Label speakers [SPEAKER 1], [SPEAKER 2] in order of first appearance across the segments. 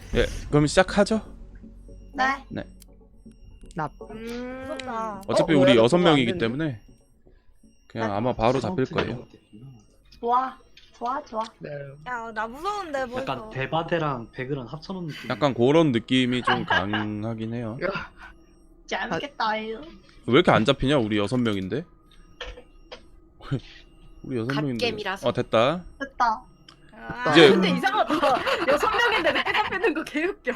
[SPEAKER 1] 예, 그럼 시작하죠.
[SPEAKER 2] 네.
[SPEAKER 1] 네.
[SPEAKER 2] 무섭다.
[SPEAKER 1] 어차피
[SPEAKER 3] 뭐야,
[SPEAKER 1] 우리
[SPEAKER 3] 나
[SPEAKER 1] 여섯
[SPEAKER 3] 그거 안
[SPEAKER 1] 명이기
[SPEAKER 3] 됐네.
[SPEAKER 1] 때문에 그냥 아마 바로 잡힐 거예요.
[SPEAKER 2] 좋아. 좋아, 좋아.
[SPEAKER 3] 네.
[SPEAKER 2] 야, 나 무서운데 벌써.
[SPEAKER 4] 약간 대바대랑 배그랑 합쳐놓은 느낌.
[SPEAKER 1] 약간 그런 느낌이 좀 강하긴 해요.
[SPEAKER 2] 재밌겠다. 이거.
[SPEAKER 1] 왜 이렇게 안 잡히냐? 우리 여섯 명인데. 우리 여섯 명인데.
[SPEAKER 5] 갓겜이라서.
[SPEAKER 1] 됐다.
[SPEAKER 2] 됐다.
[SPEAKER 5] 아,
[SPEAKER 1] 이제-
[SPEAKER 5] 근데 이상하다. 6명인데 늦게 잡히는 거 개웃겨.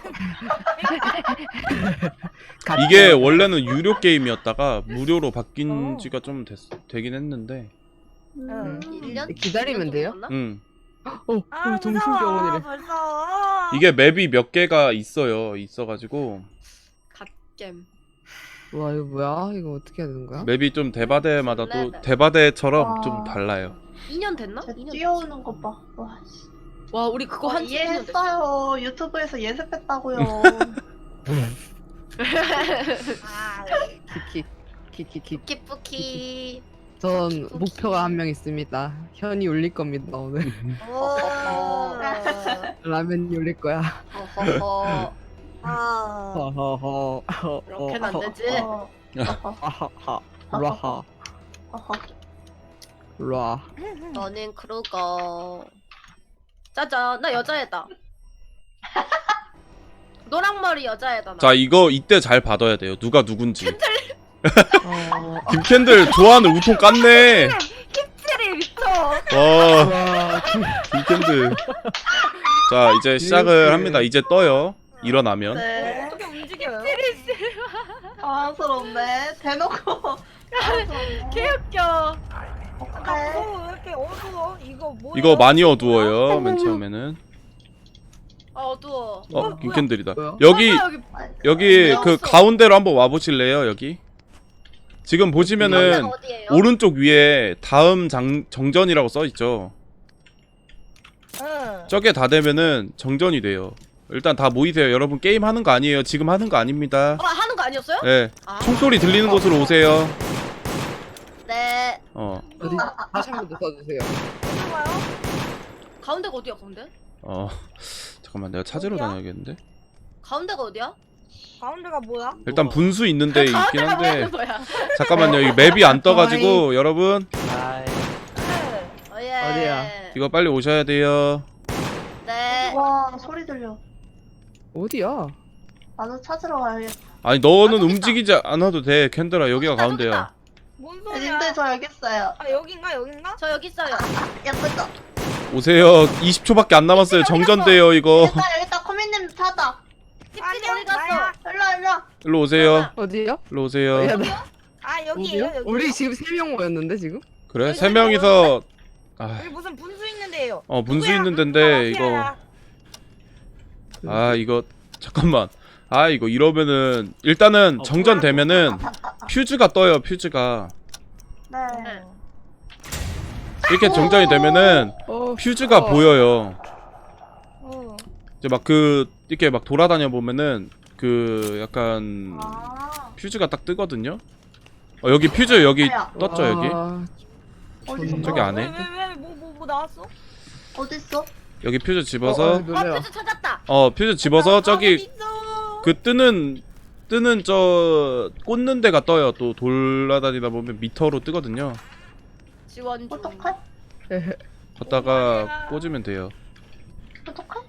[SPEAKER 1] 이게 원래는 유료 게임이었다가 무료로 바뀐 지가 좀 되긴 했는데.
[SPEAKER 2] 응.
[SPEAKER 5] 1년?
[SPEAKER 3] 기다리면 돼요?
[SPEAKER 1] 응.
[SPEAKER 2] 아,
[SPEAKER 3] 정신병원이래.
[SPEAKER 2] 벌써.
[SPEAKER 1] 이게 맵이 몇 개가 있어요. 있어가지고
[SPEAKER 5] 갓겜.
[SPEAKER 3] 와 이거 뭐야? 이거 어떻게 해야 되는 거야?
[SPEAKER 1] 맵이 좀 대바대마다 또
[SPEAKER 5] 레벨.
[SPEAKER 1] 대바대처럼
[SPEAKER 2] 와.
[SPEAKER 1] 좀 달라요.
[SPEAKER 5] 2년 됐나?
[SPEAKER 2] 쟤
[SPEAKER 5] 2년
[SPEAKER 2] 뛰어오는 거 봐. 와, 씨.
[SPEAKER 5] 와, 우리 그거 한 2년 됐어.
[SPEAKER 2] 이해했어요. 유튜브에서 예습했다고요. 아,
[SPEAKER 3] 키키키키.
[SPEAKER 5] 키뿌키.
[SPEAKER 3] 전 목표가 한 명 있습니다. 현이 올릴 겁니다 오늘.
[SPEAKER 5] 오.
[SPEAKER 3] 라면이 올릴 거야.
[SPEAKER 5] 허허허.
[SPEAKER 2] 아.
[SPEAKER 3] 허허허.
[SPEAKER 5] 그렇게는 안 되지.
[SPEAKER 2] 어.
[SPEAKER 3] 하하하. 라하.
[SPEAKER 2] 어허.
[SPEAKER 3] 라.
[SPEAKER 5] 너는 그러고. 짜잔, 나 여자애다. 노랑머리 여자애다. 나.
[SPEAKER 1] 자, 이거 이때 잘 받아야 돼요. 누가 누군지. 김캔들
[SPEAKER 3] 어.
[SPEAKER 1] 좋아하는 우통 깠네.
[SPEAKER 5] 힙질이 미쳐.
[SPEAKER 1] 와,
[SPEAKER 3] 와.
[SPEAKER 1] 김캔들. 자, 이제 시작을 합니다. 이제 떠요. 일어나면.
[SPEAKER 2] 네.
[SPEAKER 5] 어떻게 움직여요?
[SPEAKER 2] 당황스럽네. 대놓고. 당황스럽네.
[SPEAKER 5] 개웃겨.
[SPEAKER 2] 어떡해.
[SPEAKER 6] 왜 이렇게 어두워? 이거 뭐야?
[SPEAKER 1] 이거 많이 어두워요. 맨 처음에는.
[SPEAKER 5] 어두워.
[SPEAKER 1] 김캔들이다.
[SPEAKER 3] 뭐야?
[SPEAKER 1] 여기
[SPEAKER 5] 설마
[SPEAKER 1] 여기 그
[SPEAKER 5] 없어.
[SPEAKER 1] 가운데로 한번 와 보실래요? 여기. 지금 보시면은
[SPEAKER 5] 가운데가 어디예요?
[SPEAKER 1] 오른쪽 위에 다음 정전이라고 써 있죠.
[SPEAKER 6] 응.
[SPEAKER 1] 저게 다 되면은 정전이 돼요. 일단 다 모이세요. 여러분 게임 하는 거 아니에요. 지금 하는 거 아닙니다.
[SPEAKER 5] 하는 거 아니었어요?
[SPEAKER 1] 네.
[SPEAKER 5] 아.
[SPEAKER 1] 총소리 들리는 곳으로 오세요.
[SPEAKER 5] 네.
[SPEAKER 3] 어디 다시 한 번 더 써주세요.
[SPEAKER 6] 어디가요?
[SPEAKER 5] 가운데가 어디야, 가운데?
[SPEAKER 1] 잠깐만 내가 찾으러
[SPEAKER 6] 어디야?
[SPEAKER 1] 다녀야겠는데.
[SPEAKER 5] 가운데가 어디야?
[SPEAKER 6] 가운데가 뭐야?
[SPEAKER 1] 일단 분수 있는데 있긴
[SPEAKER 5] 가운데가
[SPEAKER 1] 한데
[SPEAKER 5] 뭐야, 뭐야?
[SPEAKER 1] 잠깐만요. 이 맵이 안 떠가지고 여러분
[SPEAKER 4] 아이,
[SPEAKER 6] 네.
[SPEAKER 5] 예.
[SPEAKER 3] 어디야?
[SPEAKER 1] 이거 빨리 오셔야 돼요.
[SPEAKER 5] 네.
[SPEAKER 2] 와, 소리 들려.
[SPEAKER 3] 어디야?
[SPEAKER 2] 나도 찾으러 가야겠다.
[SPEAKER 1] 아니 너는
[SPEAKER 5] 저기 있다.
[SPEAKER 1] 움직이지 않아도 돼. 캔들아 여기가 가운데야.
[SPEAKER 6] 뭔 소리야?
[SPEAKER 2] 님들 저 여기 있어요.
[SPEAKER 6] 아 여긴가 여긴가?
[SPEAKER 5] 저 여기 있어요.
[SPEAKER 2] 예쁘죠?
[SPEAKER 1] 오세요. 20초밖에 안 남았어요. 정전돼요 이거.
[SPEAKER 2] 여기다 코미님 찾아.
[SPEAKER 5] 힙질이 어디
[SPEAKER 6] 나야.
[SPEAKER 5] 갔어?
[SPEAKER 2] 일로.
[SPEAKER 1] 일로 오세요.
[SPEAKER 3] 어디야?
[SPEAKER 1] 일로 오세요.
[SPEAKER 3] 야, 나-
[SPEAKER 6] 아 여기에요
[SPEAKER 3] 어디야?
[SPEAKER 6] 여기.
[SPEAKER 3] 우리 지금 3명 모였는데 지금?
[SPEAKER 1] 그래?
[SPEAKER 5] 여기
[SPEAKER 1] 세 명이서
[SPEAKER 6] 여기 무슨 분수 있는데요.
[SPEAKER 1] 분수
[SPEAKER 6] 누구야?
[SPEAKER 1] 있는 데인데 이거
[SPEAKER 6] 마피아야.
[SPEAKER 1] 이거 잠깐만. 이거 이러면은 일단은 정전되면은 퓨즈가 떠요. 퓨즈가
[SPEAKER 2] 네.
[SPEAKER 1] 이렇게 정전이 되면은 퓨즈가 보여요.
[SPEAKER 6] 어.
[SPEAKER 1] 이제 막 이렇게 막 돌아다녀 보면은 약간
[SPEAKER 2] 아.
[SPEAKER 1] 퓨즈가 딱 뜨거든요. 여기 퓨즈 여기
[SPEAKER 2] 뭐야?
[SPEAKER 1] 떴죠 여기.
[SPEAKER 2] 어디서?
[SPEAKER 1] 저기 안에.
[SPEAKER 6] 왜뭐 나왔어?
[SPEAKER 2] 어딨어?
[SPEAKER 1] 여기 퓨즈 집어서
[SPEAKER 5] 퓨즈 찾았다.
[SPEAKER 1] 퓨즈 집어서 저기
[SPEAKER 6] 어디 있어?
[SPEAKER 1] 그 뜨는 저 꽂는 데가 떠요. 또 돌아다니다 보면 미터로 뜨거든요.
[SPEAKER 5] 지원 중.
[SPEAKER 2] 어떡해?
[SPEAKER 1] 걷다가 꽂으면 돼요.
[SPEAKER 2] 어떡해?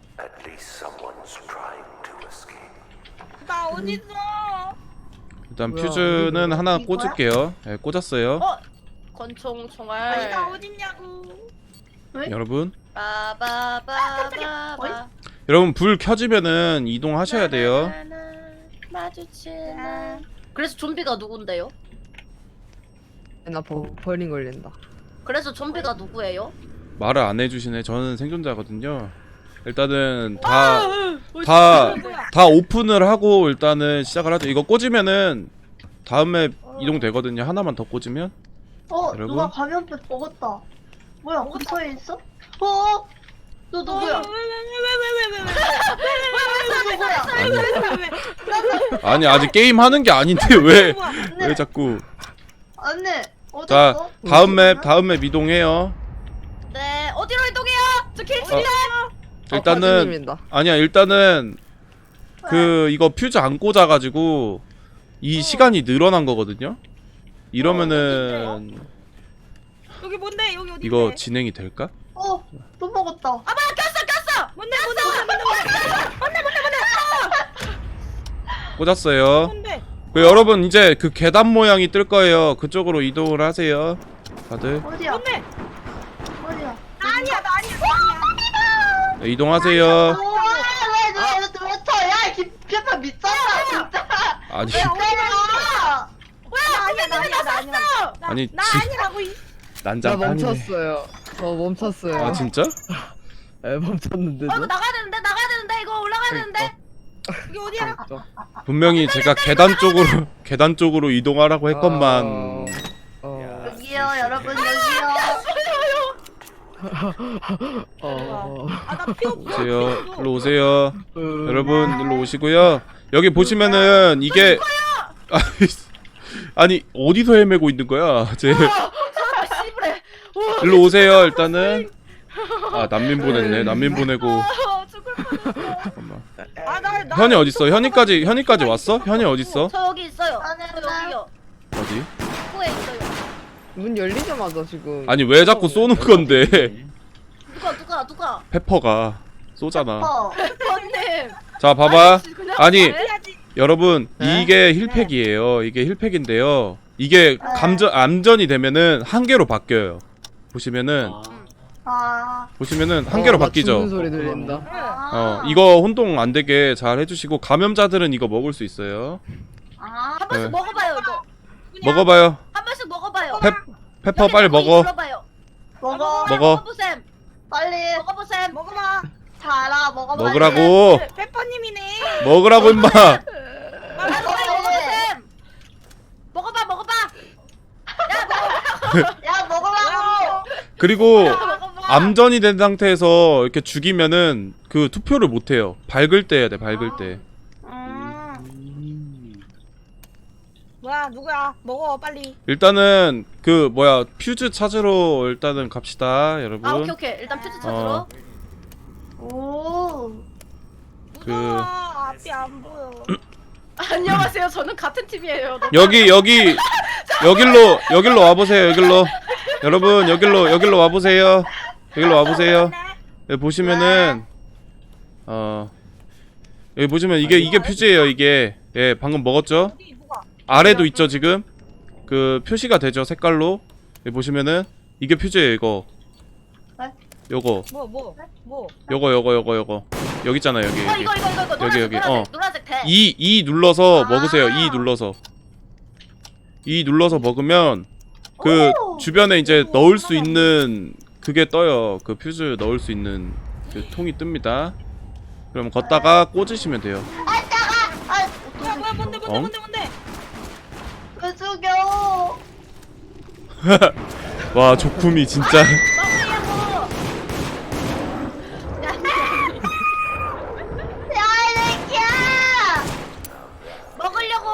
[SPEAKER 6] 나 어디 있어?
[SPEAKER 1] 일단
[SPEAKER 3] 뭐야,
[SPEAKER 1] 퓨즈는
[SPEAKER 3] 어디서?
[SPEAKER 1] 하나
[SPEAKER 2] 이거야?
[SPEAKER 1] 꽂을게요. 네, 꽂았어요.
[SPEAKER 5] 권총
[SPEAKER 2] 아니,
[SPEAKER 5] 총알.
[SPEAKER 6] 나 어딨냐고.
[SPEAKER 2] 왜?
[SPEAKER 1] 여러분,
[SPEAKER 5] 빠바바바바.
[SPEAKER 1] 여러분 불 켜지면은 이동하셔야 돼요.
[SPEAKER 5] 마주치나. 그래서 좀비가 누군데요?
[SPEAKER 3] 나 버린 걸린다.
[SPEAKER 5] 그래서 좀비가 누구예요?
[SPEAKER 1] 말을 안 해주시네. 저는 생존자거든요. 일단은
[SPEAKER 5] 아,
[SPEAKER 1] 다 오픈을 하고 일단은 시작을 하죠. 이거 꽂으면은 다음에 이동되거든요. 하나만 더 꽂으면. 여러분?
[SPEAKER 2] 누가 감염병 먹었다. 뭐야? 근처에 있어? 너 누구야?
[SPEAKER 1] 아니 아직 게임 하는 게 아닌데 왜 자꾸.
[SPEAKER 2] 언니 어디
[SPEAKER 1] 자
[SPEAKER 2] 있어?
[SPEAKER 1] 다음 맵 이동해요.
[SPEAKER 5] 네, 어디로 이동해요? 저 길치네.
[SPEAKER 1] 일단은
[SPEAKER 3] 박사님이다.
[SPEAKER 1] 아니야 일단은 그 이거 퓨즈 안 꽂아가지고 이 시간이 늘어난 거거든요. 이러면은
[SPEAKER 6] 여기 뭔데? 여기 어디?
[SPEAKER 1] 이거 진행이 될까?
[SPEAKER 2] 또 먹었다.
[SPEAKER 6] 꼈어. 뭔데?
[SPEAKER 1] 꽂았어요.
[SPEAKER 6] 뭔데?
[SPEAKER 1] 그 여러분 이제 그 계단 모양이 뜰 거예요. 그쪽으로 이동을 하세요. 다들
[SPEAKER 2] 어디야?
[SPEAKER 6] 뭔데?
[SPEAKER 2] 어디야?
[SPEAKER 6] 나 아니야.
[SPEAKER 1] 네, 이동하세요.
[SPEAKER 2] 우와, 왜 터야? 김편파 미쳤다, 진짜.
[SPEAKER 1] 아니
[SPEAKER 2] 때려.
[SPEAKER 6] 나 아니야.
[SPEAKER 1] 아니
[SPEAKER 6] 나 아니라고.
[SPEAKER 3] 나
[SPEAKER 1] 난장판이네.
[SPEAKER 3] 멈췄어요. 저 멈췄어요.
[SPEAKER 1] 아 진짜?
[SPEAKER 3] 네, 멈췄는데도.
[SPEAKER 6] 이거 나가야 되는데 이거 올라가야 되는데. 여기 어디야?
[SPEAKER 1] 분명히 제가 계단 쪽으로 이동하라고 했건만.
[SPEAKER 2] 여기요, 여러분, 여기요.
[SPEAKER 6] 아나 피 없어.
[SPEAKER 1] 오세요. 일로 오세요. 여러분 일로 오시고요. 여기 보시면은 이게 아니 어디서 헤매고 있는 거야? 쟤
[SPEAKER 6] 씨부래.
[SPEAKER 1] 일로 오세요. 일단은 아 난민 보냈네. 난민 보내고
[SPEAKER 6] 죽을 뻔했어.
[SPEAKER 1] 잠깐만.
[SPEAKER 6] 나
[SPEAKER 1] 현이 어딨어? 현이까지 왔어? 현이 어딨어?
[SPEAKER 6] 저 여기 있어요.
[SPEAKER 2] 나는
[SPEAKER 6] 저 여기요.
[SPEAKER 1] 어디?
[SPEAKER 6] 코에 있어요.
[SPEAKER 3] 문 열리자마자 지금.
[SPEAKER 1] 아니 왜 자꾸 쏘는 건데?
[SPEAKER 6] 누가?
[SPEAKER 1] 페퍼가 쏘잖아.
[SPEAKER 6] 언님.
[SPEAKER 1] 자 봐봐. 아니
[SPEAKER 6] 해야지.
[SPEAKER 1] 여러분
[SPEAKER 3] 네?
[SPEAKER 1] 이게 힐팩이에요. 이게 힐팩인데요. 이게 암전이 되면은 한 개로 바뀌어요. 보시면은 한 개로
[SPEAKER 3] 나
[SPEAKER 1] 바뀌죠.
[SPEAKER 3] 죽는 소리 들린다.
[SPEAKER 1] 이거 혼동 안 되게 잘 해주시고 감염자들은 이거 먹을 수 있어요.
[SPEAKER 6] 한 번씩
[SPEAKER 1] 네.
[SPEAKER 6] 먹어봐요 이거.
[SPEAKER 1] 먹어봐요.
[SPEAKER 6] 한 번씩 먹어봐요.
[SPEAKER 1] 페퍼 빨리 먹어.
[SPEAKER 2] 먹어.
[SPEAKER 1] 먹어.
[SPEAKER 6] 먹어보셈.
[SPEAKER 2] 빨리.
[SPEAKER 6] 먹어보셈. 먹어봐.
[SPEAKER 2] 자라, 먹어.
[SPEAKER 1] 먹으라고.
[SPEAKER 6] 페퍼님이네.
[SPEAKER 1] 먹으라고 임마.
[SPEAKER 6] 먹어보셈. 먹어봐.
[SPEAKER 2] 야, 먹으라고.
[SPEAKER 1] 그리고
[SPEAKER 6] 먹어봐.
[SPEAKER 1] 암전이 된 상태에서 이렇게 죽이면은 그 투표를 못 해요. 밝을 때 해야 돼. 밝을 때.
[SPEAKER 6] 뭐야 누구야? 먹어 빨리.
[SPEAKER 1] 일단은 그 뭐야 퓨즈 찾으러 일단은 갑시다, 여러분.
[SPEAKER 6] 아 오케이. 일단 퓨즈 찾으러.
[SPEAKER 2] 오.
[SPEAKER 6] 무서워. 앞이 안 보여. 안녕하세요. 저는 같은 팀이에요.
[SPEAKER 1] 여길로 와보세요. 여길로. 여러분 여길로 와보세요. 여기로 와보세요. 여기 보시면은 여기 보시면 이게 퓨즈예요. 이게 예 방금 먹었죠?
[SPEAKER 6] 어디 누가?
[SPEAKER 1] 아래도 있죠 지금? 그 표시가 되죠 색깔로. 여기 보시면은 이게 퓨즈예요 이거.
[SPEAKER 2] 네?
[SPEAKER 1] 요거
[SPEAKER 6] 뭐?
[SPEAKER 1] 요거 여기 있잖아요 여기.
[SPEAKER 6] 이거.
[SPEAKER 1] 여기.
[SPEAKER 6] 노란색 대.
[SPEAKER 1] E 눌러서 먹으세요. E 눌러서 먹으면 그
[SPEAKER 2] 오!
[SPEAKER 1] 주변에 이제 넣을 수 있는 그게 떠요. 그 퓨즈 넣을 수 있는 그 통이 뜹니다. 그럼 걷다가 꽂으시면 돼요.
[SPEAKER 6] 뭐야 뭔데?
[SPEAKER 2] 왜 죽여?
[SPEAKER 1] 와 조품이 진짜.
[SPEAKER 2] 야, 이 새끼야!
[SPEAKER 6] 먹으려고.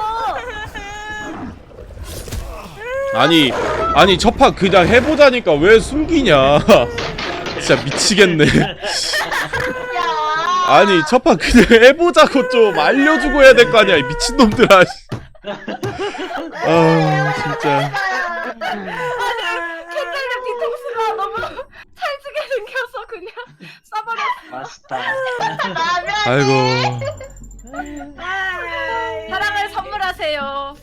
[SPEAKER 1] 아니 첫판 그냥 해보자니까 왜 숨기냐. 진짜 미치겠네.
[SPEAKER 2] 야!
[SPEAKER 1] 아니 첫판 그냥 해보자고 좀 알려주고 해야 될 거 아니야 이 미친놈들아. 아 진짜.
[SPEAKER 6] 캔들님 뒤통수가 너무 찰지게 생겨서 그냥 쏴버렸어.
[SPEAKER 4] 맛있다.
[SPEAKER 1] 아이고.
[SPEAKER 6] 사랑을 선물하세요.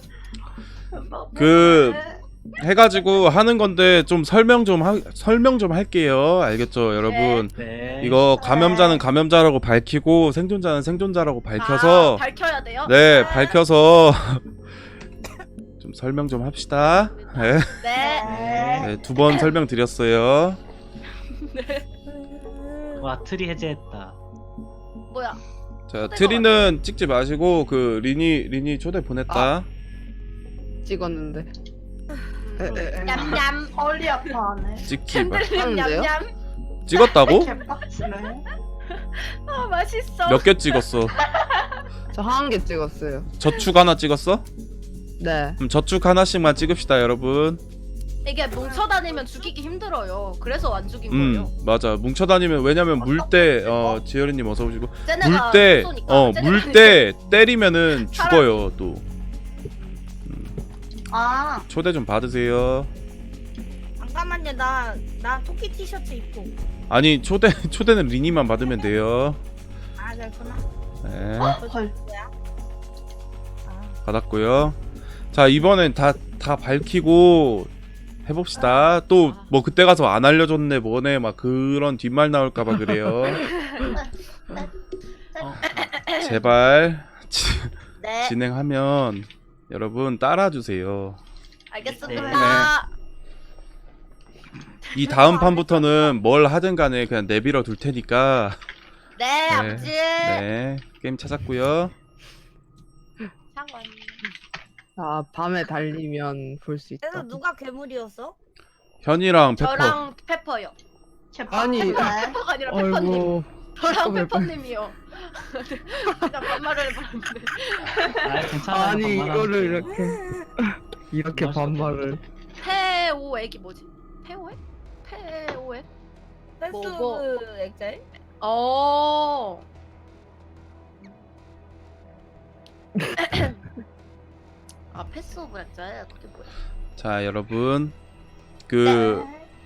[SPEAKER 1] 그 해가지고 하는 건데 좀 설명 좀 할게요. 알겠죠, 여러분?
[SPEAKER 4] 네.
[SPEAKER 1] 이거 감염자는 감염자라고 밝히고 생존자는 생존자라고 밝혀서
[SPEAKER 6] 밝혀야 돼요?
[SPEAKER 1] 네, 밝혀서 좀 설명 좀 합시다. 네.
[SPEAKER 6] 네.
[SPEAKER 1] 네, 2번 설명드렸어요.
[SPEAKER 4] 와 트리 해제했다.
[SPEAKER 6] 뭐야?
[SPEAKER 1] 자, 트리는 찍지 마시고 그 리니 초대 보냈다.
[SPEAKER 3] 찍었는데.
[SPEAKER 6] 냠냠.
[SPEAKER 2] 허리 아파하네.
[SPEAKER 1] 찍지 마.
[SPEAKER 6] 캔들님
[SPEAKER 3] 하는데요?
[SPEAKER 6] 냠냠.
[SPEAKER 1] 찍었다고?
[SPEAKER 2] 개빡치네.
[SPEAKER 6] 아 맛있어.
[SPEAKER 1] 몇 개 찍었어?
[SPEAKER 3] 저 한 개 찍었어요.
[SPEAKER 1] 저축 하나 찍었어?
[SPEAKER 3] 네.
[SPEAKER 1] 그럼 저축 하나씩만 찍읍시다, 여러분.
[SPEAKER 6] 이게 뭉쳐다니면 죽이기 힘들어요. 그래서 안 죽인 거예요.
[SPEAKER 1] 맞아. 뭉쳐다니면 왜냐면 물 때 지열이님 어서 오시고
[SPEAKER 6] 쟤네가
[SPEAKER 1] 물
[SPEAKER 6] 쏘니까.
[SPEAKER 1] 때 때리면은 죽어요 또.
[SPEAKER 2] 아,
[SPEAKER 1] 초대 좀 받으세요.
[SPEAKER 5] 잠깐만요. 나 토끼 티셔츠 입고.
[SPEAKER 1] 아니 초대는 리니만 받으면 돼요.
[SPEAKER 5] 아 그렇구나.
[SPEAKER 1] 네.
[SPEAKER 2] 헐.
[SPEAKER 1] 받았고요. 자 이번엔 다 밝히고 해봅시다. 또 뭐 그때 가서 안 알려줬네 뭐네 막 그런 뒷말 나올까봐 그래요. 제발
[SPEAKER 6] 네.
[SPEAKER 1] 진행하면 여러분 따라주세요.
[SPEAKER 6] 알겠습니다.
[SPEAKER 1] 이 다음 판부터는 뭘 하든 간에 그냥 내밀어 둘 테니까.
[SPEAKER 6] 네, 아버지.
[SPEAKER 1] 네 게임 찾았고요.
[SPEAKER 6] 상관.
[SPEAKER 3] 자, 밤에 달리면 볼 수 있다.
[SPEAKER 5] 그래서 누가 괴물이었어?
[SPEAKER 1] 현이랑 페퍼.
[SPEAKER 6] 저랑 페퍼요.
[SPEAKER 3] 아니.
[SPEAKER 6] 페퍼가 아니라 페퍼님.
[SPEAKER 3] 어이구.
[SPEAKER 6] 저랑
[SPEAKER 3] 페퍼.
[SPEAKER 6] 페퍼님이요. 그냥 반말을 해봤는데.
[SPEAKER 4] 아 괜찮아.
[SPEAKER 3] 아니 이거를 이렇게
[SPEAKER 4] 맛있다.
[SPEAKER 3] 반말을.
[SPEAKER 6] 페오액이 뭐지? 페오액? 페오액?
[SPEAKER 5] 패스
[SPEAKER 6] 뭐.
[SPEAKER 5] 오브 엑셀?
[SPEAKER 6] 어. 아 패스 오브 엑셀 그게 뭐야?
[SPEAKER 1] 자 여러분 그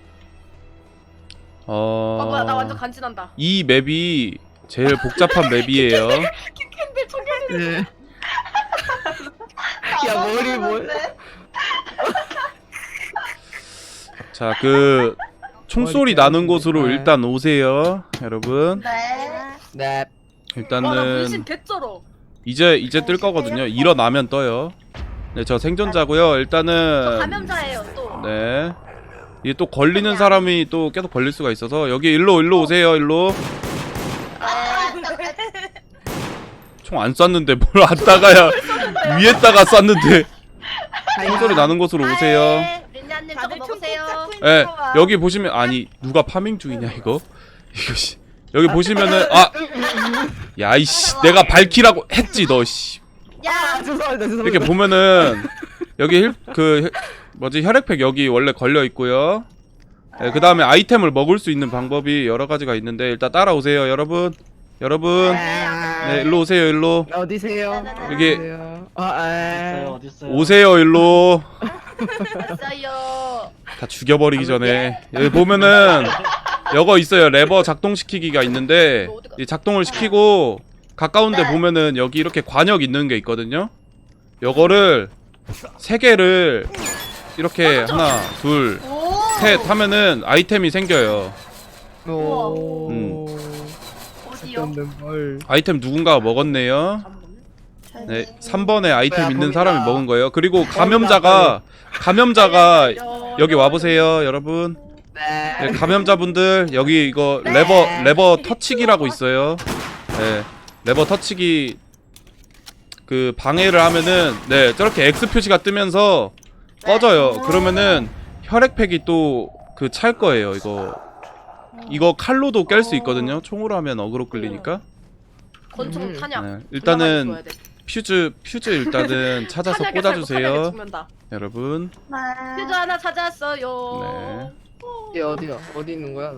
[SPEAKER 6] 아 뭐야 나 완전 간지난다.
[SPEAKER 1] 이 맵이 제일 복잡한 맵이에요.
[SPEAKER 6] 근데 청결이
[SPEAKER 3] 네. 야 머리 뭘?
[SPEAKER 1] 자 그 총소리 나는 곳으로
[SPEAKER 3] 네.
[SPEAKER 1] 일단 오세요 여러분.
[SPEAKER 2] 네.
[SPEAKER 3] 네.
[SPEAKER 6] 와나
[SPEAKER 1] 일단은
[SPEAKER 6] 문신 개쩔어.
[SPEAKER 1] 이제 뜰 거거든요. 일어나면 떠요. 네 저 생존자고요.
[SPEAKER 6] 저
[SPEAKER 1] 일단은
[SPEAKER 6] 감염자예요 또.
[SPEAKER 1] 네 이게 또 걸리는 사람이 또 계속 걸릴 수가 있어서 여기 일로 오세요 일로. 총 안 쐈는데 뭘 안 따가야 위에다가 쐈는데. 총소리 나는 곳으로 오세요.
[SPEAKER 6] 린냐님 저거
[SPEAKER 5] 다들
[SPEAKER 6] 먹으세요.
[SPEAKER 5] 총 꽂고
[SPEAKER 1] 예,
[SPEAKER 5] 있는 거 봐.
[SPEAKER 1] 여기 보시면 아니 누가 파밍 중이냐 이거 씨 여기 보시면은 야이씨 내가 밝히라고 했지 너 씨.
[SPEAKER 6] 야
[SPEAKER 3] 죄송합니다.
[SPEAKER 1] 이렇게 보면은 여기 혈액팩 여기 원래 걸려 있고요. 네, 그 다음에 아이템을 먹을 수 있는 방법이 여러 가지가 있는데 일단 따라오세요 여러분. 네 일로 오세요 일로.
[SPEAKER 3] 어디세요?
[SPEAKER 1] 여기
[SPEAKER 3] 어디세요?
[SPEAKER 4] 어딨어요?
[SPEAKER 1] 오세요 일로.
[SPEAKER 6] 왔어요.
[SPEAKER 1] 다 죽여버리기 전에 여기 보면은 요거 있어요. 레버 작동시키기가 있는데 이 작동을 시키고 가까운데 보면은 여기 이렇게 관역 있는 게 있거든요. 요거를 3개를 이렇게 하나 둘 셋 하면은 아이템이 생겨요.
[SPEAKER 3] 오.
[SPEAKER 2] 어디요?
[SPEAKER 3] 뭘?
[SPEAKER 1] 아이템 누군가가 먹었네요. 네 3번에 아이템 있는 사람이 먹은 거예요. 그리고 감염자가 여기 와보세요 여러분. 네, 감염자분들 여기 이거 레버 터치기라고 있어요. 네, 레버 터치기 그 방해를 하면은 네 저렇게 X 표시가 뜨면서 꺼져요. 그러면은 혈액팩이 또 그 찰 거예요. 이거 칼로도 깰 수 있거든요. 총으로 하면 어그로 끌리니까.
[SPEAKER 6] 권총 탄약.
[SPEAKER 1] 네, 일단은 퓨즈 일단은 찾아서 꽂아주세요 여러분.
[SPEAKER 2] 네.
[SPEAKER 6] 퓨즈 하나 찾았어요.
[SPEAKER 1] 네.
[SPEAKER 3] 얘 어디야? 어디 있는 거야?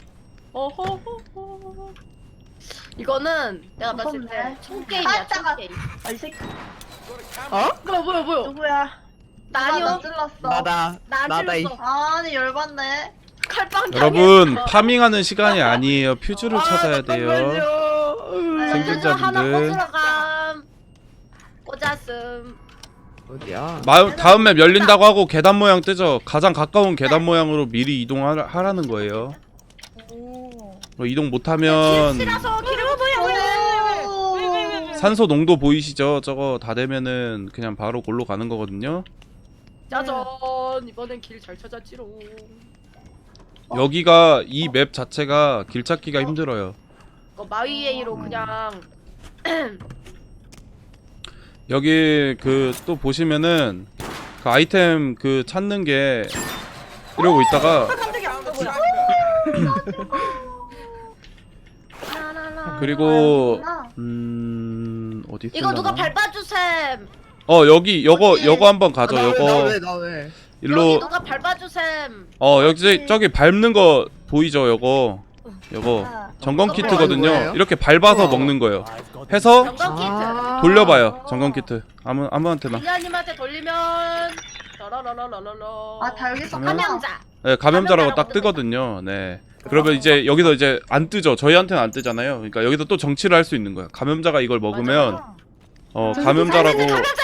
[SPEAKER 6] 어허허허. 이거는 내가 봤을 때
[SPEAKER 2] 무섭네.
[SPEAKER 6] 총게임이야
[SPEAKER 2] 살짝아.
[SPEAKER 6] 총게임.
[SPEAKER 2] 아, 이 새끼
[SPEAKER 6] 뭐야
[SPEAKER 2] 누구야?
[SPEAKER 6] 나 아니요.
[SPEAKER 2] 찔렀어.
[SPEAKER 3] 나다.
[SPEAKER 6] 나안
[SPEAKER 3] 나다 이.
[SPEAKER 6] 찔렀어.
[SPEAKER 2] 아니 열받네.
[SPEAKER 6] 칼빵
[SPEAKER 1] 여러분
[SPEAKER 6] 당했어.
[SPEAKER 1] 파밍하는 시간이 아니에요. 퓨즈를 찾아야 돼요.
[SPEAKER 6] 퓨즈 하나
[SPEAKER 1] 생존자분들.
[SPEAKER 6] 꽂으러 감. 꽂았음.
[SPEAKER 3] 어디야?
[SPEAKER 1] 다음 맵 열린다고 하고 계단 모양 뜨죠. 가장 가까운 계단 모양으로 미리 이동하라는 거예요. 이동 못하면
[SPEAKER 6] 실어서 길을 뭐야?
[SPEAKER 1] 산소 농도 보이시죠? 저거 다 되면은 그냥 바로 골로 가는 거거든요.
[SPEAKER 6] 짜잔 이번엔 길 잘 찾았지롱.
[SPEAKER 1] 여기가 이 맵 자체가 길 찾기가 힘들어요.
[SPEAKER 6] 마위에이로 그냥
[SPEAKER 1] 여기 그 또 보시면은 그 아이템 그 찾는 게 이러고 있다가 그리고 어디
[SPEAKER 6] 이거 누가
[SPEAKER 1] 있을라나?
[SPEAKER 6] 밟아주셈.
[SPEAKER 1] 여기 요거 한번 가죠. 요거
[SPEAKER 3] 나 왜?
[SPEAKER 5] 여기
[SPEAKER 1] 일로
[SPEAKER 5] 누가 밟아주셈.
[SPEAKER 1] 여기 저기 밟는 거 보이죠? 요거 점검 키트거든요.
[SPEAKER 3] 뭐예요?
[SPEAKER 1] 이렇게 밟아서 먹는 거예요. 해서
[SPEAKER 5] 점검 키트.
[SPEAKER 1] 돌려봐요. 점검 키트. 아무한테나.
[SPEAKER 5] 빌라님한테 돌리면 라라라라라라.
[SPEAKER 2] 아, 다 여기서
[SPEAKER 1] 그러면-
[SPEAKER 5] 감염자.
[SPEAKER 1] 네, 감염자라고 딱
[SPEAKER 5] 감염자라고
[SPEAKER 1] 뜨거든요. 네. 그러면 이제 여기서 이제 안 뜨죠. 저희한테는 안 뜨잖아요. 그러니까 여기서 또 정치를 할 수 있는 거야. 감염자가 이걸 먹으면 감염자라고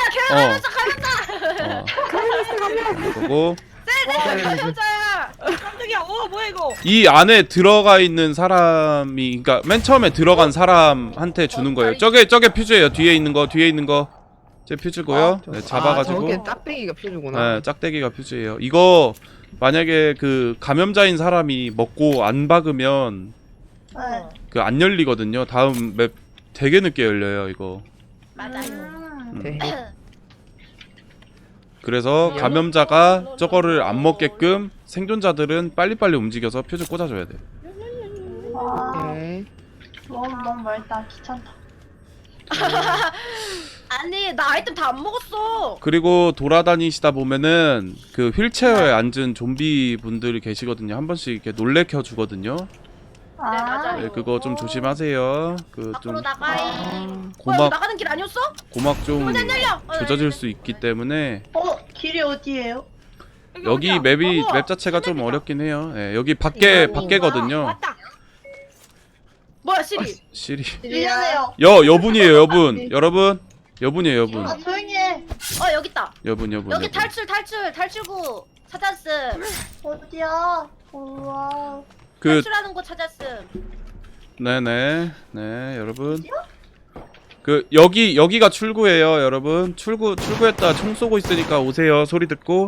[SPEAKER 1] 그거고
[SPEAKER 5] 감염자야.
[SPEAKER 6] 깜짝이야. 뭐야 이거?
[SPEAKER 1] 이 안에 들어가 있는 사람이 그러니까 맨 처음에 들어간 사람한테 주는 거예요. 저게 퓨즈예요. 뒤에 있는 거. 제 퓨즈고요. 네, 잡아가지고
[SPEAKER 3] 저게 짝대기가 퓨즈구나.
[SPEAKER 1] 네, 짝대기가 퓨즈예요. 이거 만약에 그 감염자인 사람이 먹고 안 박으면
[SPEAKER 2] 네.
[SPEAKER 1] 그 안 열리거든요. 다음 맵 되게 늦게 열려요, 이거.
[SPEAKER 5] 맞아요.
[SPEAKER 3] 네.
[SPEAKER 1] 그래서 감염자가 저거를 안 먹게끔 생존자들은 빨리빨리 움직여서 퓨즈 꽂아줘야 돼.
[SPEAKER 2] 와,
[SPEAKER 3] 네.
[SPEAKER 2] 너무 멀다. 귀찮다.
[SPEAKER 5] 아니 나 아이템 다 안 먹었어.
[SPEAKER 1] 그리고 돌아다니시다 보면은 그 휠체어에 앉은 좀비 분들이 계시거든요. 한 번씩 이렇게 놀래켜 주거든요.
[SPEAKER 2] 아,
[SPEAKER 5] 맞아요.
[SPEAKER 1] 네, 그거 좀 조심하세요. 그
[SPEAKER 5] 밖으로
[SPEAKER 1] 좀
[SPEAKER 5] 나가이.
[SPEAKER 1] 고막-
[SPEAKER 5] 뭐야, 나가는 길 아니었어?
[SPEAKER 1] 고막 좀
[SPEAKER 5] 문안 열려.
[SPEAKER 1] 조져질 수 있기 때문에
[SPEAKER 2] 길이 어디예요?
[SPEAKER 1] 여기 맵이 맵 자체가 좀 어렵긴 해요. 예, 여기 밖에거든요.
[SPEAKER 6] 왔다.
[SPEAKER 5] 뭐야 시리?
[SPEAKER 1] 시리.
[SPEAKER 2] 미안해요.
[SPEAKER 1] 여분이에요, 여분. 여분이에요, 여분.
[SPEAKER 2] 아, 조용히 해.
[SPEAKER 5] 여기 있다.
[SPEAKER 1] 여분.
[SPEAKER 5] 여기 탈출구 찾았음.
[SPEAKER 2] 어디야? 우와.
[SPEAKER 1] 그
[SPEAKER 5] 탈출하는 곳 찾았음.
[SPEAKER 1] 네네 네 여러분 그 여기가 출구예요 여러분 출구했다 총 쏘고 있으니까 오세요 소리 듣고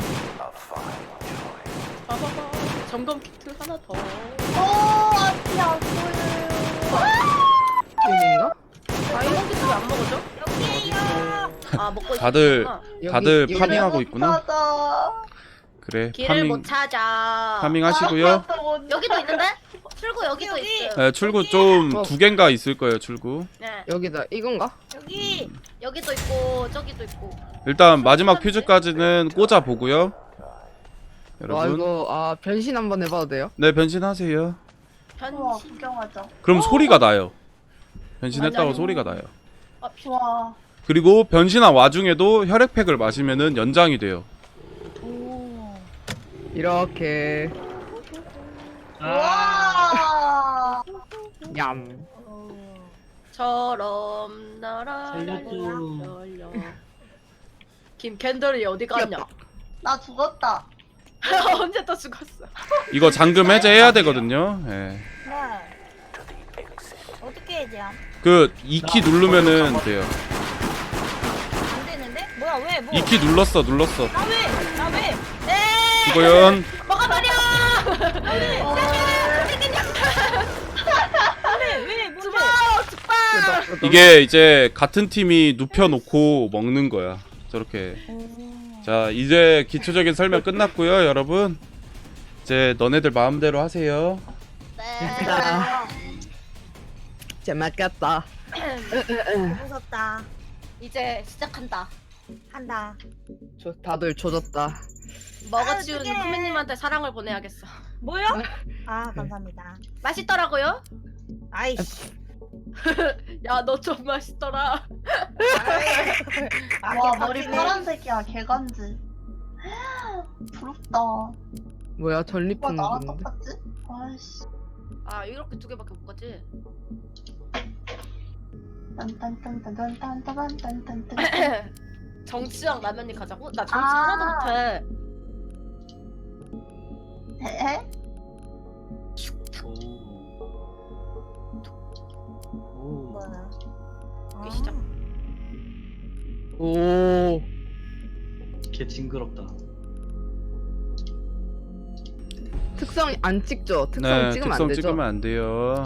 [SPEAKER 5] 봐봐봐. 점검 키트 하나 더.
[SPEAKER 2] 앞이 안 보여요.
[SPEAKER 3] 여기인가?
[SPEAKER 5] 점검 키트 왜 안 먹어줘?
[SPEAKER 6] 여기에요.
[SPEAKER 5] 아 먹고
[SPEAKER 1] 다들
[SPEAKER 5] 있었구나.
[SPEAKER 1] 다들
[SPEAKER 3] 여기
[SPEAKER 1] 파밍하고
[SPEAKER 2] 못
[SPEAKER 1] 있구나
[SPEAKER 2] 찾아.
[SPEAKER 1] 그래
[SPEAKER 5] 길을 못 찾아.
[SPEAKER 1] 파밍하시고요
[SPEAKER 5] 여기도 있는데? 출구 여기도
[SPEAKER 6] 여기.
[SPEAKER 5] 있음.
[SPEAKER 1] 네, 출구 좀
[SPEAKER 3] 어.
[SPEAKER 1] 2개인가 있을 거예요 출구
[SPEAKER 5] 네.
[SPEAKER 3] 여기다 이건가?
[SPEAKER 6] 여기.
[SPEAKER 5] 여기도 있고 저기도 있고.
[SPEAKER 1] 일단 마지막 퓨즈까지는 꽂아 보고요
[SPEAKER 3] 와
[SPEAKER 1] 여러분
[SPEAKER 3] 이거 변신 한번 해봐도 돼요?
[SPEAKER 1] 네 변신하세요
[SPEAKER 2] 우와,
[SPEAKER 5] 변신.
[SPEAKER 2] 구경하자.
[SPEAKER 1] 그럼 소리가 나요 변신했다고
[SPEAKER 5] 맞아요.
[SPEAKER 1] 소리가 나요
[SPEAKER 2] 좋아.
[SPEAKER 1] 그리고 변신한 와중에도 혈액팩을 마시면은 연장이 돼요
[SPEAKER 3] 이렇게
[SPEAKER 2] 와.
[SPEAKER 3] 얌.
[SPEAKER 5] 처럼 날아.
[SPEAKER 4] 살려줘.
[SPEAKER 5] 김캔들이 어디 갔냐?
[SPEAKER 2] 나 죽었다.
[SPEAKER 5] 언제 또 죽었어?
[SPEAKER 1] 이거 잠금 해제해야 되거든요 예.
[SPEAKER 6] 네. 어떻게 해야 돼?
[SPEAKER 1] 그 2키 누르면은 돼요
[SPEAKER 6] 안 되는데? 뭐야 왜? 뭐?
[SPEAKER 1] 2키 눌렀어
[SPEAKER 6] 나 왜? 나 왜? 네.
[SPEAKER 1] 수고연
[SPEAKER 5] 먹어버려!
[SPEAKER 6] 왜? 뭔데?
[SPEAKER 5] 죽방!
[SPEAKER 1] 이게 이제 같은 팀이 눕혀놓고 먹는 거야 저렇게 자 이제 기초적인 설명 끝났고요 여러분 이제 너네들 마음대로 하세요
[SPEAKER 5] 네.
[SPEAKER 3] 재밌겠다.
[SPEAKER 6] 무섭다.
[SPEAKER 5] 이제 시작한다.
[SPEAKER 6] 한다.
[SPEAKER 3] 다들 조졌다.
[SPEAKER 5] 먹어치운
[SPEAKER 6] 어떡해.
[SPEAKER 5] 후미님한테 사랑을 보내야겠어.
[SPEAKER 6] 뭐요? 아 감사합니다.
[SPEAKER 5] 맛있더라고요?
[SPEAKER 6] 아이씨.
[SPEAKER 5] 야, 너 좀 맛있더라.
[SPEAKER 2] 와, 머리 파란색이야. 개간지. 부럽다.
[SPEAKER 3] 뭐야
[SPEAKER 2] 오빠
[SPEAKER 3] 전리품
[SPEAKER 2] 나랑
[SPEAKER 3] 건데.
[SPEAKER 2] 똑같지? 아이씨.
[SPEAKER 5] 아, 이렇게 2개밖에 못 가지.
[SPEAKER 2] 딴딴딴딴딴딴딴딴딴.
[SPEAKER 5] 정치랑 라면이 가자고? 나 정치
[SPEAKER 2] 아.
[SPEAKER 5] 하나도 못해.
[SPEAKER 2] 에?
[SPEAKER 6] 뭐야?
[SPEAKER 5] 이게 시작.
[SPEAKER 3] 오.
[SPEAKER 4] 개 징그럽다.
[SPEAKER 3] 특성 안 찍죠? 특성
[SPEAKER 1] 네
[SPEAKER 3] 찍으면
[SPEAKER 1] 특성
[SPEAKER 3] 안 되죠?
[SPEAKER 1] 찍으면 안 돼요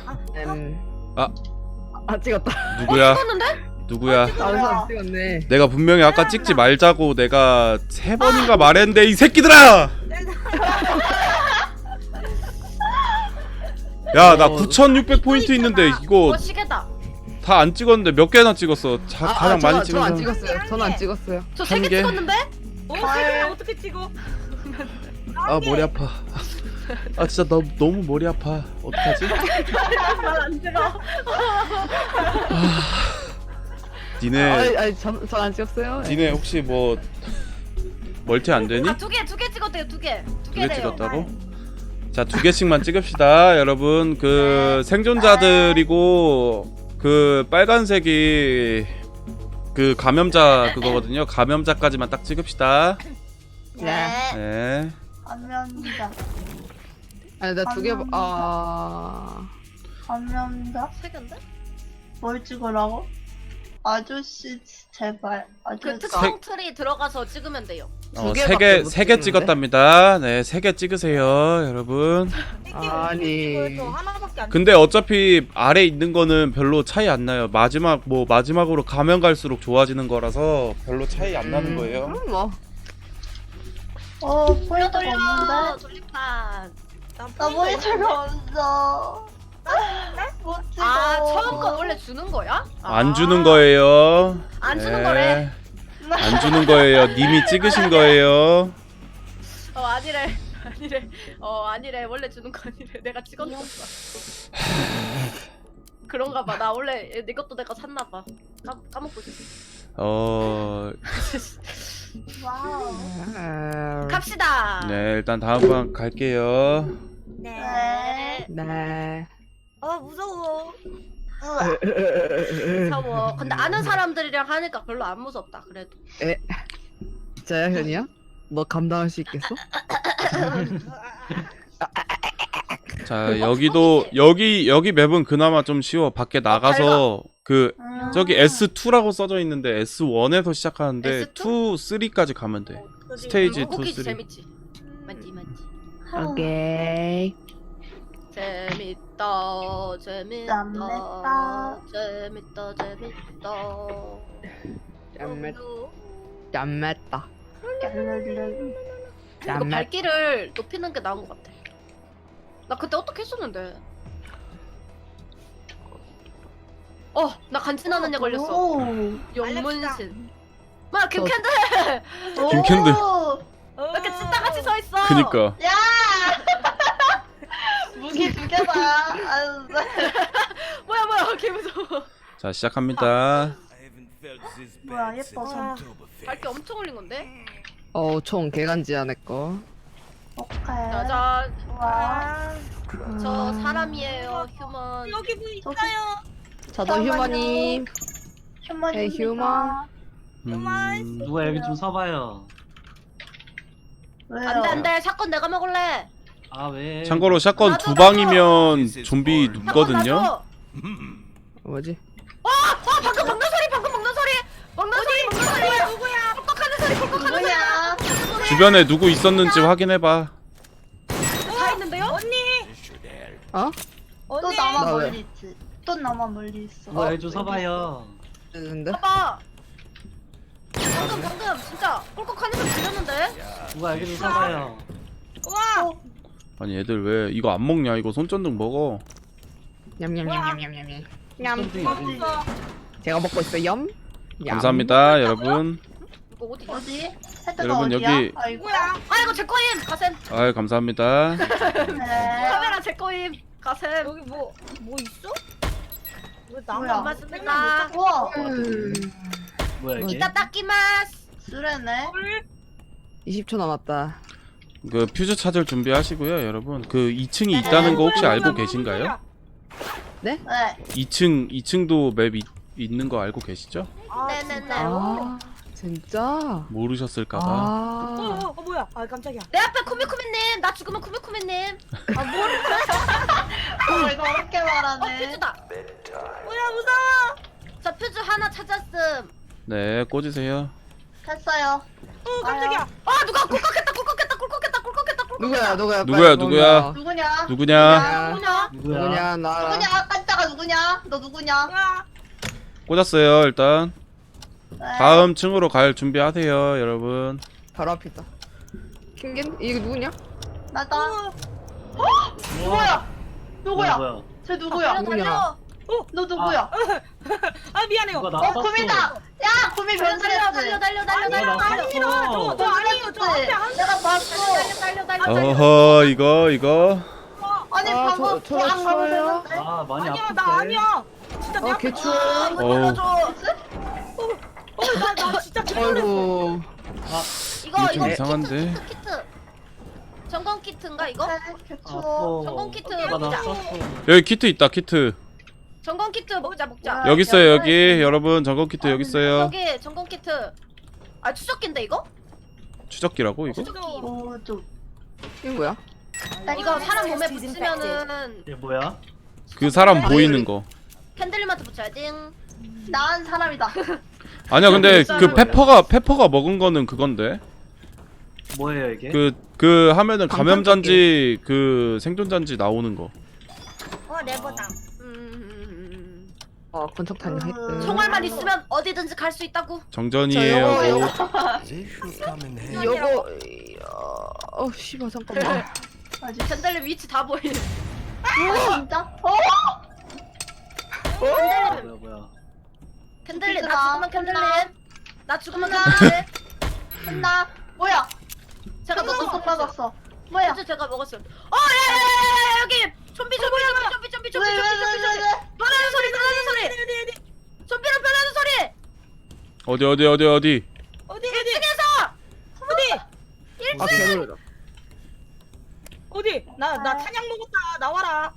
[SPEAKER 3] 찍었다.
[SPEAKER 1] 누구야
[SPEAKER 5] 찍었는데?
[SPEAKER 1] 누구야
[SPEAKER 3] 다른 사람 찍었네.
[SPEAKER 1] 내가 분명히 아까 찍지 말자고 내가 3번인가 말했는데 이 새끼들아 야 나 9600포인트 있는데 이거
[SPEAKER 5] 시계다.
[SPEAKER 1] 다 안 찍었는데 몇 개나 찍었어 가장 많이 찍은
[SPEAKER 3] 저안
[SPEAKER 1] 사람
[SPEAKER 3] 찍었어요. 저는 안 찍었어요.
[SPEAKER 5] 저
[SPEAKER 1] 한
[SPEAKER 5] 3개
[SPEAKER 1] 개?
[SPEAKER 5] 찍었는데?
[SPEAKER 2] 과일.
[SPEAKER 5] 어떻게 찍어?
[SPEAKER 1] 아 머리 아파. 아 진짜 너무 머리 아파. 어떡하지?
[SPEAKER 5] 말안 들어.
[SPEAKER 1] 니네
[SPEAKER 3] 아니 전안 찍었어요.
[SPEAKER 1] 니네 혹시 뭐 멀티 안 되니?
[SPEAKER 6] 두 개 찍었대요. 두 개.
[SPEAKER 1] 두 개 찍었다고? 자, 2개씩만 찍읍시다. 여러분, 그 생존자들이고 그 빨간색이 그 감염자 그거거든요. 감염자까지만 딱 찍읍시다.
[SPEAKER 2] 네.
[SPEAKER 1] 네.
[SPEAKER 2] 감염자.
[SPEAKER 3] 아니 나 두 개.
[SPEAKER 2] 감염자?
[SPEAKER 6] 세 개인데?
[SPEAKER 2] 뭘 찍으라고? 아저씨 제발.
[SPEAKER 6] 그
[SPEAKER 2] 아저씨.
[SPEAKER 6] 특성 트리 들어가서 찍으면 돼요.
[SPEAKER 3] 두 개밖에 못
[SPEAKER 1] 3개
[SPEAKER 3] 찍는데?
[SPEAKER 1] 찍었답니다. 네, 3개 찍으세요, 여러분.
[SPEAKER 3] 아니.
[SPEAKER 5] 하나밖에 안.
[SPEAKER 1] 근데 어차피 아래 있는 거는 별로 차이 안 나요. 마지막으로 가면 갈수록 좋아지는 거라서 별로 차이 안 나는 거예요.
[SPEAKER 3] 뭐.
[SPEAKER 2] 포인트가
[SPEAKER 6] 돌려
[SPEAKER 2] 없는데?
[SPEAKER 6] 돌림판.
[SPEAKER 2] 나 포인트가 없어. 못 찍어.
[SPEAKER 6] 아 처음 거 원래 주는 거야?
[SPEAKER 1] 안 주는 거예요.
[SPEAKER 6] 안 주는
[SPEAKER 1] 네.
[SPEAKER 6] 거래.
[SPEAKER 1] 안 주는 거예요. 님이 찍으신 거예요.
[SPEAKER 6] 아니래. 아니래. 원래 주는 거 아니래. 내가 찍었어. 그런가 봐. 나 원래 내 것도 내가 샀나 봐. 까먹고 있어.
[SPEAKER 2] 와우.
[SPEAKER 6] 갑시다.
[SPEAKER 1] 네, 일단 다음 번 갈게요.
[SPEAKER 2] 네.
[SPEAKER 3] 네.
[SPEAKER 5] 무서워.
[SPEAKER 2] 우와.
[SPEAKER 6] 무서워. 근데 아는 사람들이랑 하니까 별로 안 무섭다. 그래도.
[SPEAKER 3] 진짜야 현이야? 너 감당할 수 있겠어?
[SPEAKER 1] 자, 여기 맵은 그나마 좀 쉬워. 밖에 나가서 그 저기 S2라고 써져 있는데 S1에서 시작하는데
[SPEAKER 6] S2?
[SPEAKER 1] 2, 3까지 가면 돼. 스테이지 2,
[SPEAKER 6] 무기지
[SPEAKER 1] 3.
[SPEAKER 6] 재밌지. 맞지.
[SPEAKER 3] 오케이.
[SPEAKER 6] 재밌다.
[SPEAKER 3] 짠mes다.
[SPEAKER 6] 이거 발길을 높이는 게 나은 것 같아. 나 그때 어떻게 했었는데? 나 간지나는 애 걸렸어.
[SPEAKER 2] 오.
[SPEAKER 6] 영문신. 마 김캔들.
[SPEAKER 1] 김캔들.
[SPEAKER 6] 왜 이렇게 찐따같이 서 있어?
[SPEAKER 1] 그니까.
[SPEAKER 2] 야! 무기 2개다. 아유.
[SPEAKER 6] 뭐야 개 무서워.
[SPEAKER 1] 자, 시작합니다.
[SPEAKER 2] 뭐야 예뻐서.
[SPEAKER 6] 발길 엄청 올린 건데?
[SPEAKER 3] 총 개간지야 내 거.
[SPEAKER 2] 오케이.
[SPEAKER 6] 짜잔.
[SPEAKER 2] 와.
[SPEAKER 6] 저 사람이에요. 휴먼.
[SPEAKER 5] 여기 뭐 있어요?
[SPEAKER 3] 저도 휴머님.
[SPEAKER 2] 휴먼.
[SPEAKER 3] 네, 휴먼.
[SPEAKER 4] 누가 여기 좀 서봐요.
[SPEAKER 2] 왜요?
[SPEAKER 6] 안돼. 샷건 내가 먹을래.
[SPEAKER 4] 아 왜?
[SPEAKER 1] 참고로 샷건
[SPEAKER 6] 나도
[SPEAKER 1] 2방이면 좀비
[SPEAKER 6] 샷건
[SPEAKER 1] 눕거든요.
[SPEAKER 6] 놔줘.
[SPEAKER 3] 뭐지?
[SPEAKER 6] 방금 먹는 소리. 누구야? 뻑뻑하는 소리.
[SPEAKER 2] 누구야?
[SPEAKER 1] 주변에 누구 있었는지 확인해봐.
[SPEAKER 6] 다 있는데요?
[SPEAKER 3] 어?
[SPEAKER 2] 또 나만
[SPEAKER 3] 나 왜?
[SPEAKER 2] 멀리 있지. 또 나만 멀리 있어.
[SPEAKER 4] 누가 여기 좀 서봐요.
[SPEAKER 3] 뜨는데?
[SPEAKER 6] 봐봐. 방금 진짜 꿀꺽하는 소리 들렸는데?
[SPEAKER 4] 누가 여기 좀 서봐요.
[SPEAKER 1] 아니 애들 왜 이거 안 먹냐? 이거 손전등 먹어.
[SPEAKER 3] 냠냠냠냠냠냠.
[SPEAKER 4] 손등이 어디?
[SPEAKER 3] 제가 먹고 있어요. 얌.
[SPEAKER 1] 감사합니다, 여러분.
[SPEAKER 6] 이거 어디?
[SPEAKER 2] 어디? 헤드가
[SPEAKER 1] 여러분,
[SPEAKER 2] 어디야?
[SPEAKER 1] 여기-
[SPEAKER 2] 아이고야.
[SPEAKER 6] 아 이거 제 거임. 가셈.
[SPEAKER 1] 아유, 감사합니다.
[SPEAKER 2] 네.
[SPEAKER 6] 카메라 제 거임. 가셈.
[SPEAKER 5] 여기 뭐 있어? 왜
[SPEAKER 2] 뭐야?
[SPEAKER 5] 나무
[SPEAKER 6] 맞습니다.
[SPEAKER 2] 우와.
[SPEAKER 4] 뭐야 이게?
[SPEAKER 6] 이따 닦기마스.
[SPEAKER 2] 쓰레네.
[SPEAKER 3] 20초 남았다.
[SPEAKER 1] 그 퓨즈 찾을 준비하시고요, 여러분. 그 2층이 있다는 거 혹시 알고 계신가요?
[SPEAKER 2] 네.
[SPEAKER 1] 2층도 맵 있는 거 알고 계시죠?
[SPEAKER 6] 네네네.
[SPEAKER 3] 진짜?
[SPEAKER 1] 모르셨을까봐.
[SPEAKER 5] 뭐야? 아 깜짝이야.
[SPEAKER 6] 내 앞에 쿠미쿠미님. 나 죽으면 쿠미쿠미님.
[SPEAKER 2] 이거 어렵게 말하네.
[SPEAKER 6] 퓨즈다.
[SPEAKER 5] 뭐야 무서워.
[SPEAKER 6] 저 퓨즈 하나 찾았음.
[SPEAKER 1] 네, 꽂으세요.
[SPEAKER 2] 됐어요.
[SPEAKER 5] 깜짝이야.
[SPEAKER 6] 누가 꿀꺽했다.
[SPEAKER 3] 누구야?
[SPEAKER 1] 누구야?
[SPEAKER 2] 누구냐?
[SPEAKER 1] 누구냐?
[SPEAKER 6] 누구냐?
[SPEAKER 1] 누구냐?
[SPEAKER 4] 누구야?
[SPEAKER 3] 누구냐? 나.
[SPEAKER 2] 누구냐? 깜짝아 누구냐? 너 누구냐?
[SPEAKER 1] 꽂았어요, 일단.
[SPEAKER 2] 네.
[SPEAKER 1] 다음 층으로 갈 준비하세요, 여러분.
[SPEAKER 3] 바로 앞이다. 킹겐? 이거 누구냐?
[SPEAKER 2] 나다. 누구야? 누구야?
[SPEAKER 4] 뭐야?
[SPEAKER 2] 쟤 누구야?
[SPEAKER 3] 누구냐?
[SPEAKER 2] 너 누구야?
[SPEAKER 5] 아 미안해요.
[SPEAKER 4] 누가 나 쐈어?
[SPEAKER 2] 구미다. 야 구미
[SPEAKER 5] 달려
[SPEAKER 2] 변신했어.
[SPEAKER 5] 달려 달려 달려
[SPEAKER 4] 나
[SPEAKER 5] 달려 달려
[SPEAKER 4] 봤어.
[SPEAKER 5] 저 아니에요 저 앞에 한
[SPEAKER 2] 내가 봤어.
[SPEAKER 5] 달려 달려
[SPEAKER 1] 어허 이거
[SPEAKER 2] 아니
[SPEAKER 3] 아,
[SPEAKER 2] 방금
[SPEAKER 3] 저
[SPEAKER 2] 안
[SPEAKER 3] 추워요?
[SPEAKER 2] 가보셨는데?
[SPEAKER 4] 아 많이
[SPEAKER 5] 아니야
[SPEAKER 4] 아픈데.
[SPEAKER 5] 나 아니야 진짜 내 앞에
[SPEAKER 3] 개추워.
[SPEAKER 1] 어우
[SPEAKER 5] 나 진짜 개놀랐어
[SPEAKER 3] 아이고.
[SPEAKER 1] 이거 좀 이상한데.
[SPEAKER 6] 키트. 점검 키트인가 이거?
[SPEAKER 2] 개추워.
[SPEAKER 6] 전공 키트
[SPEAKER 4] 나
[SPEAKER 6] 먹자.
[SPEAKER 4] 썼어.
[SPEAKER 1] 여기 키트 있다 키트.
[SPEAKER 6] 점검 키트 먹자.
[SPEAKER 2] 아,
[SPEAKER 1] 여기 있어요 여기 여러분 점검 키트 여기 있어요.
[SPEAKER 6] 여기 점검 키트. 아 추적기인데 이거?
[SPEAKER 1] 추적기라고 이거?
[SPEAKER 6] 추적기.
[SPEAKER 2] 좀.
[SPEAKER 3] 이게 뭐야?
[SPEAKER 6] 이거 사람 몸에 붙이면은
[SPEAKER 4] 얘 뭐야?
[SPEAKER 1] 그 사람 보이는 거.
[SPEAKER 6] 캔들림한테 붙여야지.
[SPEAKER 2] 나은 사람이다.
[SPEAKER 1] 아니야 근데 그 페퍼가 먹은 거는 그건데.
[SPEAKER 4] 뭐예요 이게?
[SPEAKER 1] 그 하면은 감염잔지 그 생존잔지 나오는 거.
[SPEAKER 5] 레버장
[SPEAKER 3] 권총탄이 했대.
[SPEAKER 6] 총알만 있으면 어디든지 갈 수 있다고.
[SPEAKER 1] 정전이에요.
[SPEAKER 3] 요거 씨발 잠깐만.
[SPEAKER 6] 캔들림 위치 다 보이.
[SPEAKER 2] 진짜?
[SPEAKER 4] 뭐야?
[SPEAKER 6] 캔들림
[SPEAKER 2] 비트다.
[SPEAKER 6] 나 죽으면 캔들림. 나 죽으면
[SPEAKER 2] 비트다.
[SPEAKER 6] 캔들림.
[SPEAKER 2] 한다. 뭐야?
[SPEAKER 6] 제가
[SPEAKER 2] 또
[SPEAKER 6] 먹었어.
[SPEAKER 2] 빠졌어. 뭐야?
[SPEAKER 6] 퓨즈 제가 먹었어요. 야야야야 여기 좀비.
[SPEAKER 2] 왜?
[SPEAKER 6] 변하는 소리. 좀비로 변하는 소리.
[SPEAKER 1] 어디?
[SPEAKER 5] 어디
[SPEAKER 6] 1층에서.
[SPEAKER 3] 아 개놀라.
[SPEAKER 5] 어디 나 탄약 먹었다 나와라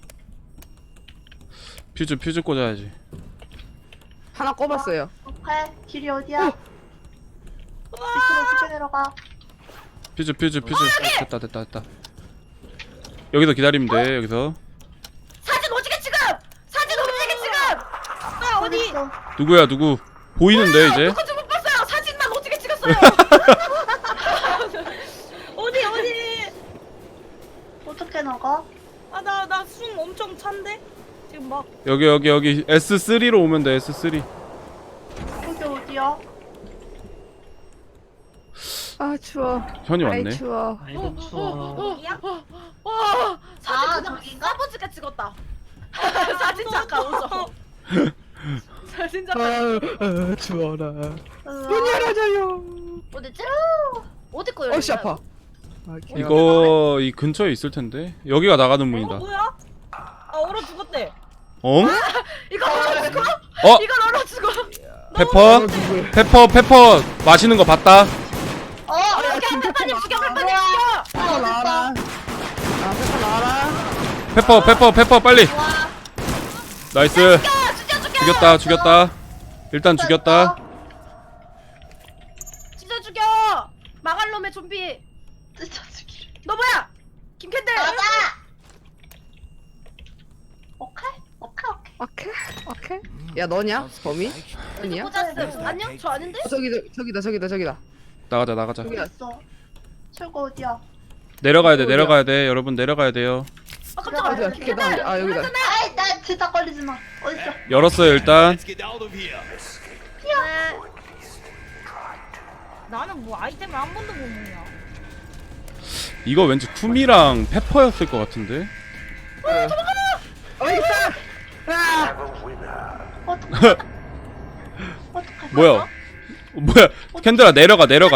[SPEAKER 1] 퓨즈 꽂아야지.
[SPEAKER 3] 하나 꼽았어요.
[SPEAKER 2] 오케이. 길이 어디야? 밑으로 어떻게 내려가?
[SPEAKER 1] 퓨즈. 됐다. 여기서 기다리면 돼 여기서.
[SPEAKER 6] 사진 오지게 지금.
[SPEAKER 5] 어디
[SPEAKER 2] 있어?
[SPEAKER 1] 누구야 누구? 보이는데 이제.
[SPEAKER 6] 누군지 못 봤어요. 사진만 오지게 찍었어요.
[SPEAKER 5] 어디
[SPEAKER 2] 어떻게 나가?
[SPEAKER 5] 나 숨 엄청 찬데 지금 막
[SPEAKER 1] 여기 S3로 오면 돼 S3.
[SPEAKER 2] 여기 어디야?
[SPEAKER 3] 아 추워.
[SPEAKER 1] 현이
[SPEAKER 3] 아이
[SPEAKER 1] 왔네.
[SPEAKER 3] 추워.
[SPEAKER 4] 아이고 추워.
[SPEAKER 6] 와 사진
[SPEAKER 2] 아,
[SPEAKER 6] 그냥
[SPEAKER 2] 저긴가?
[SPEAKER 6] 싸보지게 찍었다. 사진 작가 오죠. 사진 작가.
[SPEAKER 3] 추워라.
[SPEAKER 2] 으아.
[SPEAKER 3] 문 열어줘요.
[SPEAKER 6] 어디지? 어디 거 열려?
[SPEAKER 3] 어씨 아파. 아, 개가-
[SPEAKER 1] 이거 이 근처에 있을 텐데. 여기가 나가는 문이다.
[SPEAKER 5] 뭐야? 얼어 죽었대
[SPEAKER 1] 어?
[SPEAKER 6] 이거 얼어 죽어?
[SPEAKER 1] 어?
[SPEAKER 6] 이걸 얼어 죽어?
[SPEAKER 1] 페퍼 마시는 거 봤다.
[SPEAKER 6] 빨리 죽여 빨리
[SPEAKER 2] 우와.
[SPEAKER 6] 죽여.
[SPEAKER 3] 페퍼 나와라. 아 페퍼 나와라.
[SPEAKER 1] 페퍼 빨리. 나이스.
[SPEAKER 6] 죽여.
[SPEAKER 1] 죽였다. 일단 죽였다.
[SPEAKER 6] 죽여. 마갈 놈의 좀비.
[SPEAKER 2] 찢어주기.
[SPEAKER 6] 너 뭐야? 김캔들.
[SPEAKER 2] 맞아. 오케이.
[SPEAKER 3] 오케이. 야 너냐? 범인? 아니야?
[SPEAKER 6] 꽂았음. 안녕? 저 아닌데?
[SPEAKER 3] 저기다.
[SPEAKER 1] 나가자.
[SPEAKER 3] 저기야.
[SPEAKER 2] 있어. 출구 어디야?
[SPEAKER 1] 내려가야 돼. 여러분 내려가야 돼요.
[SPEAKER 6] 아 깜짝아.
[SPEAKER 3] 어디야? 계단 어디? 아 여기다.
[SPEAKER 2] 아이 나 진짜 걸리지 마. 어딨어?
[SPEAKER 1] 열었어요 일단.
[SPEAKER 6] 네.
[SPEAKER 5] 나는 뭐 아이템을 한 번도 못 먹냐
[SPEAKER 1] 이거 왠지 쿠미랑 페퍼였을 것 같은데.
[SPEAKER 3] 여기 있다. 아!
[SPEAKER 2] 어떡해?
[SPEAKER 1] 뭐야? 캔들아 내려가. 내려가.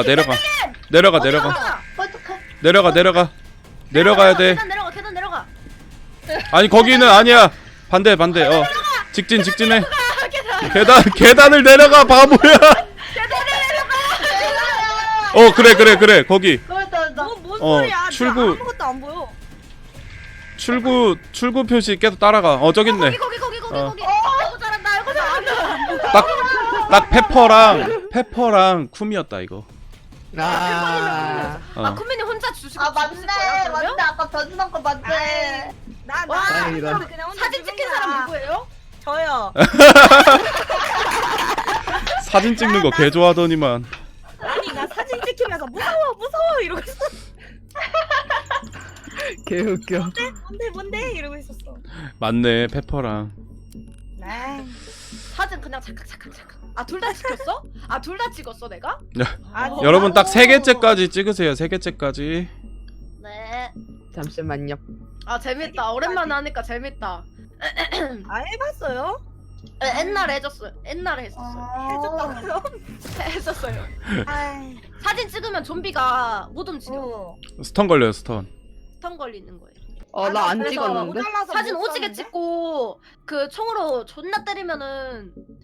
[SPEAKER 2] 어떡해?
[SPEAKER 1] 내려가야 돼.
[SPEAKER 6] 계단 내려가.
[SPEAKER 1] 아니 거기는 아니야. 반대. 직진해. 계단을 내려가 바보야. 그래 거기.
[SPEAKER 2] 나.
[SPEAKER 5] 뭔 소리야
[SPEAKER 1] 출구.
[SPEAKER 5] 나 아무것도 안 보여
[SPEAKER 1] 출구 표시 계속 따라가. 저기 있네.
[SPEAKER 6] 거기.
[SPEAKER 1] 어.
[SPEAKER 6] 아이고 잘한다. 아이고 잘한다.
[SPEAKER 1] 딱 페퍼랑 쿰이었다 이거.
[SPEAKER 3] 아.
[SPEAKER 6] 아 쿠미님 혼자 주시고
[SPEAKER 2] 아
[SPEAKER 6] 죽으실 거예요,
[SPEAKER 2] 맞네.
[SPEAKER 6] 그러면?
[SPEAKER 2] 아까 변신한 거 맞네.
[SPEAKER 5] 나
[SPEAKER 3] 다행이다.
[SPEAKER 5] 그냥 혼자
[SPEAKER 6] 사진 찍힌 사람 누구예요?
[SPEAKER 5] 저요
[SPEAKER 1] 사진 찍는 거 개 좋아하더니만.
[SPEAKER 5] 아니 나 사진 찍히면서 무서워 이러고 있어
[SPEAKER 3] 개웃겨.
[SPEAKER 5] 뭔데 이러고 있었어
[SPEAKER 1] 맞네 페퍼랑.
[SPEAKER 5] 네.
[SPEAKER 6] 사진 그냥 착각. 아 둘 다 찍혔어? 아 둘 다 찍었어 내가?
[SPEAKER 1] 여러분 딱 3개째까지 찍으세요. 3개째까지.
[SPEAKER 6] 네.
[SPEAKER 3] 잠시만요.
[SPEAKER 6] 아 재밌다. 오랜만에 하니까 재밌다.
[SPEAKER 5] 아 해봤어요?
[SPEAKER 6] 옛날에 해줬어요. 옛날에 했었어요.
[SPEAKER 2] 해줬다고요?
[SPEAKER 6] 했었어요.
[SPEAKER 2] 아이.
[SPEAKER 6] 사진 찍으면 좀비가 못 움직여.
[SPEAKER 1] 스턴 걸려요 스턴.
[SPEAKER 6] 스턴 걸리는 거예요.
[SPEAKER 3] 나 안
[SPEAKER 6] 그래서
[SPEAKER 3] 찍었는데?
[SPEAKER 6] 사진 오지게 찍고 그 총으로 존나 때리면은